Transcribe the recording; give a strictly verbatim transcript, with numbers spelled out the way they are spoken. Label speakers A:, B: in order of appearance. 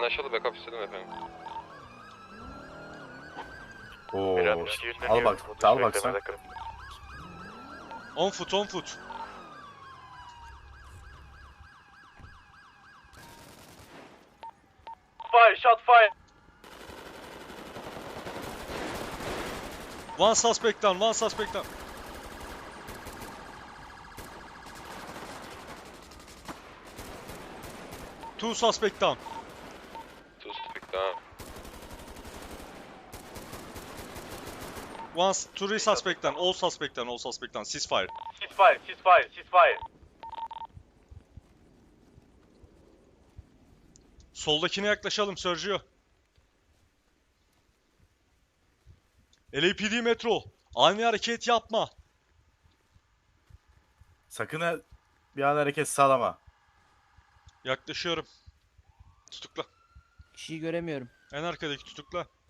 A: Anlaşıldı, backup istedim efendim.
B: Oo. Al bak, al bak sen.
C: on foot, on foot.
D: Fire, shot fire.
C: One suspect down, one suspect down. Two suspect down.
A: Two stick down.
C: One, three suspect down, all suspect down, all suspect down. Ceasefire.
D: Ceasefire, ceasefire, ceasefire.
C: Soldakine yaklaşalım Sergio. L A P D Metro. Ani hareket yapma.
B: Sakın ha- bir an hareket sağlama.
C: Yaklaşıyorum. Tutukla.
E: Kişiyi göremiyorum.
C: En arkadaki tutukla.